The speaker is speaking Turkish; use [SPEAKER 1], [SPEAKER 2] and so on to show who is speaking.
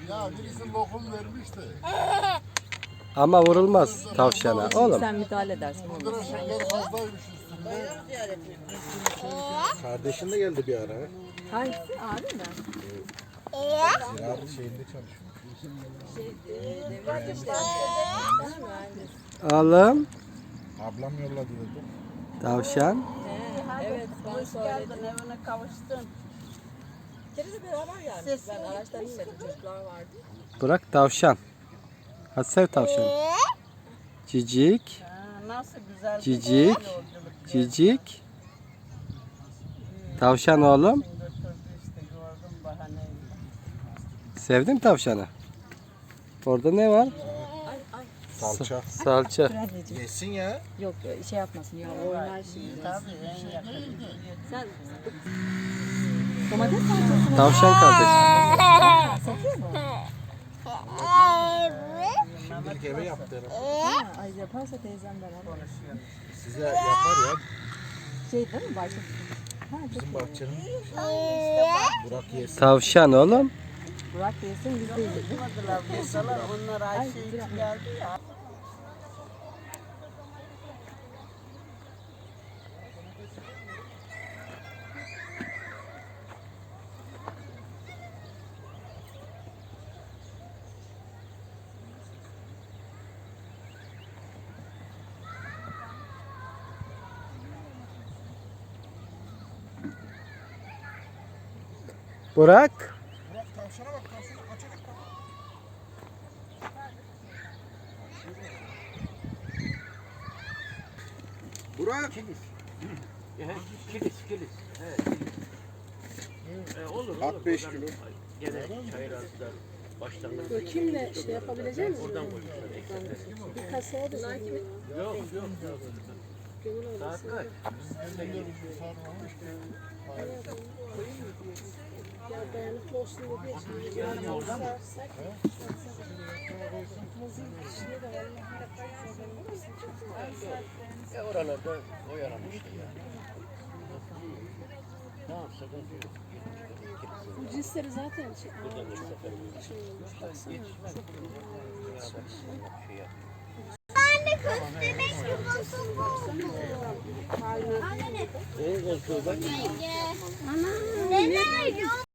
[SPEAKER 1] Ya birisi lokum vermişti.
[SPEAKER 2] Ama vurulmaz tavşana oğlum.
[SPEAKER 3] Sen müdahale edersin.
[SPEAKER 1] Kıraşıklar fazlaymış üstünde.
[SPEAKER 4] Kardeşin de geldi bir ara.
[SPEAKER 3] Hangisi? Abi mi?
[SPEAKER 4] Ziraat şeyinde çalışıyor.
[SPEAKER 2] Oğlum
[SPEAKER 4] Ablam yolladı dedi.
[SPEAKER 2] tavşan.
[SPEAKER 3] Evet, ben söyledim.
[SPEAKER 5] Evine kavuştun.
[SPEAKER 3] Kere de beraber geldik. Ben araçtan inmedim. Çocuklar vardı.
[SPEAKER 2] Burak tavşan. Hadi sev tavşanı. Cicik.
[SPEAKER 5] Nasıl güzel.
[SPEAKER 2] Cicik. Cicik. Tavşan oğlum.
[SPEAKER 5] Götürdü işte gördüm bahaneyi.
[SPEAKER 2] Sevdin mi tavşanı? Orada ne var?
[SPEAKER 4] Salça.
[SPEAKER 2] Salça.
[SPEAKER 4] Yesin ya.
[SPEAKER 3] Yok şey yapmasın ya. Oynar şimdi.
[SPEAKER 5] Tabii en yakın.
[SPEAKER 3] Sen domates salçası mı?
[SPEAKER 2] Tavşan kardeş.
[SPEAKER 3] Satıyor mu?
[SPEAKER 4] Şimdilik eve yaptırım.
[SPEAKER 3] Ay yaparsa teyzemden al.
[SPEAKER 4] Size yapar ya.
[SPEAKER 3] Şey değil mi? Başka.
[SPEAKER 4] Bizim bahçenin Burak yesin.
[SPEAKER 2] Tavşan oğlum.
[SPEAKER 3] Burak yesin biz de yiyelim.
[SPEAKER 5] Yapmadılar buradalar. Onlar Ayşe için geldi ya.
[SPEAKER 2] Burak.
[SPEAKER 4] Burak tavşana bak tavşana açacak bak. Burak.
[SPEAKER 6] Kilis. Olur.
[SPEAKER 4] At 5 kilo.
[SPEAKER 6] Gene çayır attılar. Başlangıç.
[SPEAKER 7] Kimle şey yapabilecek misin?
[SPEAKER 6] Oradan koymuşlar eksekleri.
[SPEAKER 7] Bir kasaya da
[SPEAKER 6] Yok. Saat kaç?
[SPEAKER 7] ya dayanıklı olsun diye için.
[SPEAKER 6] Yani oradan mı? Oralarda oyalamıştı ya. Tamam sıkıntı yok.
[SPEAKER 7] Bu cinsleri zaten şey.
[SPEAKER 6] Buradan da seferimiz
[SPEAKER 7] Şey olmuş. Baksana.
[SPEAKER 6] şey yap.
[SPEAKER 7] Aynen.
[SPEAKER 6] Neyin koltuğu bak?
[SPEAKER 8] Neden?